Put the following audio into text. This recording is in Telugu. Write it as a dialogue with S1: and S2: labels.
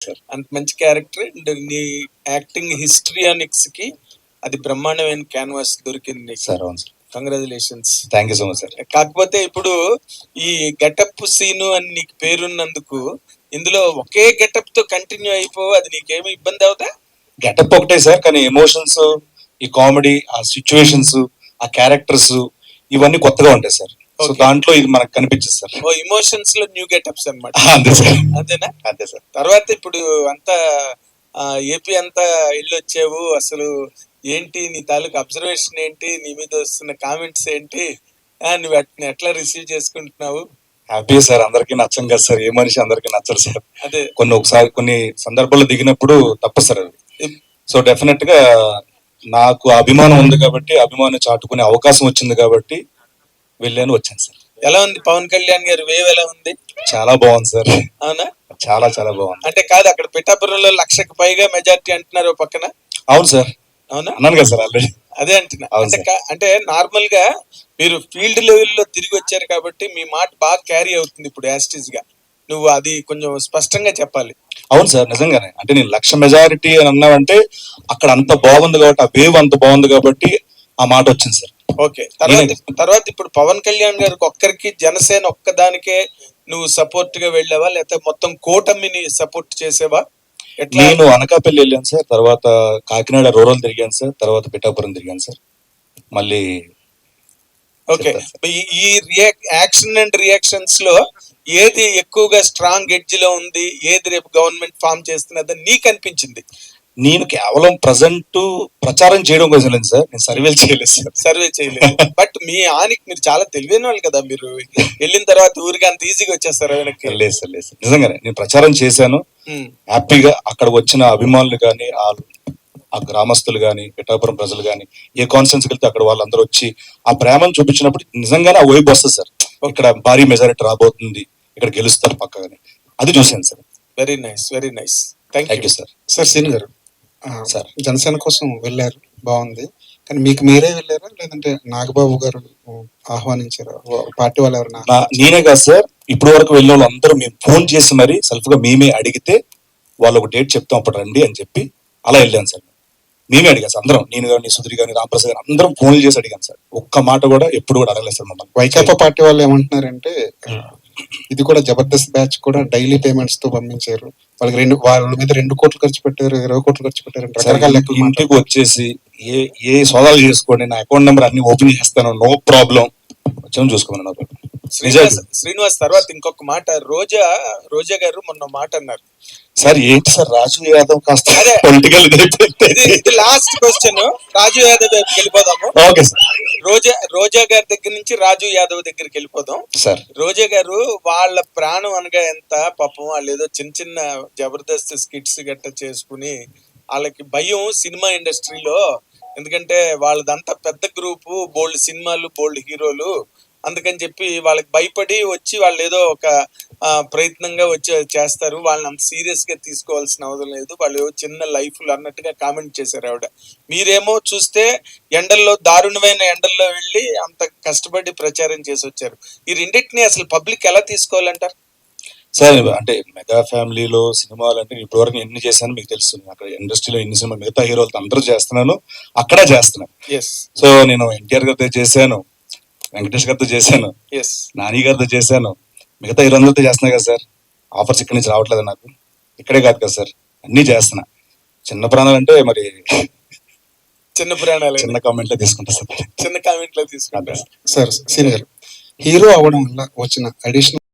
S1: అంత మంచి క్యారెక్టర్ అండ్ నీ యాక్టింగ్ హిస్టరియానిక్స్ కి అది బ్రహ్మాండమైన క్యాన్వాస్ దొరికింది
S2: సార్. అవును sir,
S1: congratulations.
S2: Thank you so much sir.
S1: కాకపోతే ఇప్పుడు ఈ గెటప్ సీను అని నీకు పేరున్నందుకు ఇందులో ఒకే గెటప్ తో కంటిన్యూ అయిపో, అది నీకేమి ఇబ్బంది అవుతా?
S2: గెటప్ ఒకటే సార్, కానీ ఎమోషన్స్, ఈ కామెడీ, ఆ సిచ్యువేషన్స్, ఆ క్యారెక్టర్స్ ఇవన్నీ కొత్తగా ఉంటాయి సార్. సో దాంట్లో ఇది మనకు కనిపించదు సార్.
S1: ఓ ఇమోషన్స్ లో న్యూ గెటప్స్ అన్నమాట.
S2: అంతే సార్.
S1: అంతేనా?
S2: అంతే సార్.
S1: తర్వాత ఇప్పుడు అంతా ఏపీ అంతా వెళ్ళొచ్చావు, అసలు ఏంటి నీ తాలూకు అబ్జర్వేషన్ ఏంటి, నీ మీద వస్తున్న కామెంట్స్ ఏంటి, నువ్వు వాటిని ఎట్లా రిసీవ్ చేసుకుంటున్నావు?
S2: Happy sir. అందరికీ నచ్చం కదా సార్, ఏ మనిషి అందరికీ నచ్చరు సార్.
S1: అదే
S2: కొన్ని సందర్భాల్లో దిగినప్పుడు తప్పు సార్ అది. సో డెఫినెట్ గా నాకు అభిమానం ఉంది కాబట్టి, అభిమానం చాటుకునే అవకాశం వచ్చింది కాబట్టి వెళ్ళాను, వచ్చాను సార్.
S1: ఎలా ఉంది పవన్ కళ్యాణ్ గారి వేవ్, ఎలా ఉంది?
S2: చాలా బాగుంది సార్.
S1: అవునా?
S2: చాలా చాలా బాగుంది.
S1: అంటే కాదు, అక్కడ పిఠాపురంలో 1,00,000కి పైగా మెజారిటీ అంటున్నారు పక్కన.
S2: అవును సార్.
S1: అవునా?
S2: అన్నాను కదా సార్ ఆల్రెడీ.
S1: అదే అంటున్నా. అంటే నార్మల్ గా మీరు ఫీల్డ్ లెవెల్లో తిరిగి వచ్చారు కాబట్టి మీ మాట బాగా క్యారీ అవుతుంది ఇప్పుడు యాస్టీజ్ గా. నువ్వు అది కొంచెం స్పష్టంగా చెప్పాలి.
S2: అవును సార్, నిజంగానే. అంటే నేను 1,00,000 మెజారిటీ అని అన్నావంటే అక్కడ అంత బాగుంది కాబట్టి, ఆ వేవ్ అంత బాగుంది కాబట్టి ఆ మాట వచ్చింది సార్.
S1: ఓకే. తర్వాత ఇప్పుడు పవన్ కళ్యాణ్ గారికి ఒక్కరికి, జనసేన ఒక్కదానికే నువ్వు సపోర్ట్ గా వెళ్ళావా, లేకపోతే మొత్తం కూటమిని సపోర్ట్ చేసేవా?
S2: నేను అనకాపల్లి వెళ్ళాను సార్, తర్వాత కాకినాడ రూరల్ తిరిగాను సార్, తర్వాత పిఠాపురం తిరిగాను సార్. మళ్ళీ
S1: ఓకే. ఈ యాక్షన్ అండ్ రియాక్షన్స్ లో ఏది ఎక్కువగా స్ట్రాంగ్ ఎడ్జ్ లో ఉంది, ఏది రేపు గవర్నమెంట్ ఫామ్ చేస్తున్నదని నీకు అనిపించింది?
S2: నేను కేవలం ప్రజెంట్ ప్రచారం చేయడం కోసం లేదు సార్, నేను సర్వేలు చేయలేదు సార్.
S1: సర్వే చేయలేదు. బట్ మీ ఆనికి మీరు చాలా తెలివైన వాళ్ళు కదా, మీరు వెళ్ళిన తర్వాత ఊరికి అంత ఈజీగా వచ్చేస్తారు వెనక్కి?
S2: లేదు సార్, లేదు సార్, నిజంగానే నేను ప్రచారం చేశాను. హ్యాపీగా అక్కడ వచ్చిన అభిమానులు కానీ, ఆ గ్రామస్తులు కానీ, పిఠాపురం ప్రజలు కానీ, ఏ కాన్ఫరెన్స్ వెళ్తే అక్కడ వాళ్ళందరూ వచ్చి ఆ ప్రేమను చూపించినప్పుడు నిజంగానే ఆ వైపు వస్తుంది సార్. ఇక్కడ భారీ మెజారిటీ రాబోతుంది, ఇక్కడ గెలుస్తారు పక్కగానే, అది చూశాను sir.
S1: Very nice, very nice. Thank you
S2: sir.
S3: Sir సీన్ గారు, సార్ జనసేన కోసం వెళ్ళారు, బాగుంది. కానీ మీకు మీరే వెళ్ళారా, లేదంటే నాగబాబు గారు ఆహ్వానించారా, పార్టీ వాళ్ళు ఎవరైనా?
S2: నేనే కాదు సార్, ఇప్పటి వరకు వెళ్ళే వాళ్ళు అందరూ మేము ఫోన్ చేసి మరి సెల్ఫ్ గా మేమే అడిగితే వాళ్ళు ఒక డేట్ చెప్తాం అప్పుడు రండి అని చెప్పి అలా వెళ్ళాను సార్. మేమే అడిగాను సార్ అందరం, నేను కానీ, సుధీర్ కానీ, రామప్రసాద్ గారు అందరం ఫోన్లు చేసి అడిగాను సార్. ఒక్క మాట కూడా ఎప్పుడు కూడా అడగలేదు సార్ మమ్మల్ని.
S3: వైకాపా పార్టీ వాళ్ళు ఏమంటున్నారంటే ఇది కూడా జబర్దస్త్ బ్యాచ్ కూడా డైలీ పేమెంట్స్ తో పంపించారు, వాళ్ళ మీద 2 కోట్లు ఖర్చు పెట్టారు, 20 కోట్లు ఖర్చు పెట్టారు, రకరకాల లెక్కలు.
S2: ఇంటికి వచ్చేసి ఏ సోదాలు చేసుకోండి, నా అకౌంట్ నెంబర్ అన్ని ఓపెన్ చేస్తాను, నో ప్రాబ్లం, వచ్చాము చూసుకోమని.
S1: శ్రీనివాస్ తర్వాత ఇంకొక మాట, రోజా గారు మొన్న మాట అన్నారు
S2: సార్. ఏంటి సార్, రాజు యాదవ్ కాస్త political
S1: last question, Raju Yadav దగ్గరికి వెళ్ళిపోదాము.
S2: Okay sir.
S1: రోజా గారి దగ్గర నుంచి రాజు యాదవ్ దగ్గరికి వెళ్ళిపోదాం
S2: సార్.
S1: రోజా గారు వాళ్ళ ప్రాణం అనగా ఎంత పాపం, వాళ్ళు ఏదో చిన్న చిన్న జబర్దస్త్ స్కిట్స్ గట్ట చేసుకుని, వాళ్ళకి భయం సినిమా ఇండస్ట్రీలో, ఎందుకంటే వాళ్ళదంతా పెద్ద గ్రూపు, బోల్డ్ సినిమాలు, బోల్డ్ హీరోలు, అందుకని చెప్పి వాళ్ళకి భయపడి వచ్చి వాళ్ళు ఏదో ఒక ప్రయత్నంగా వచ్చి చేస్తారు, వాళ్ళని అంత సీరియస్ గా తీసుకోవాల్సిన అవసరం లేదు, వాళ్ళు చిన్న లైఫ్లు అన్నట్టుగా కామెంట్ చేశారు ఆవిడ. మీరేమో చూస్తే ఎండల్లో, దారుణమైన ఎండల్లో వెళ్ళి అంత కష్టపడి ప్రచారం చేసి వచ్చారు. ఈ రెండింటిని అసలు పబ్లిక్ ఎలా తీసుకోవాలంటారు
S2: సార్? అంటే మెగా ఫ్యామిలీలో సినిమాలు అంటే ఇప్పటి వరకు ఎన్ని చేశాను మీకు తెలుసు. అక్కడ ఇండస్ట్రీలో ఎన్ని సినిమాలు మిగతా హీరోలతో అందరూ చేస్తున్నాను, అక్కడ చేస్తున్నాను. సో నేను ఎన్టీఆర్ గారితో చేశాను, వెంకటేష్ గారితో చేశాను, నాని గారితో చేశాను, మిగతా హీరోలతో చేస్తున్నా కదా సార్. ఆఫర్స్ ఇక్కడి నుంచి రావట్లేదు నాకు, ఇక్కడే కాదు కదా సార్, అన్ని చేస్తున్నా. చిన్న ప్రాణాలు అంటే మరి చిన్న కామెంట్ లో తీసుకుంటా సార్,
S1: చిన్న కామెంట్ లో తీసుకుంటా
S3: సార్. సీన్ గారు, హీరో అవ్వడం వల్ల వచ్చిన అడిషనల్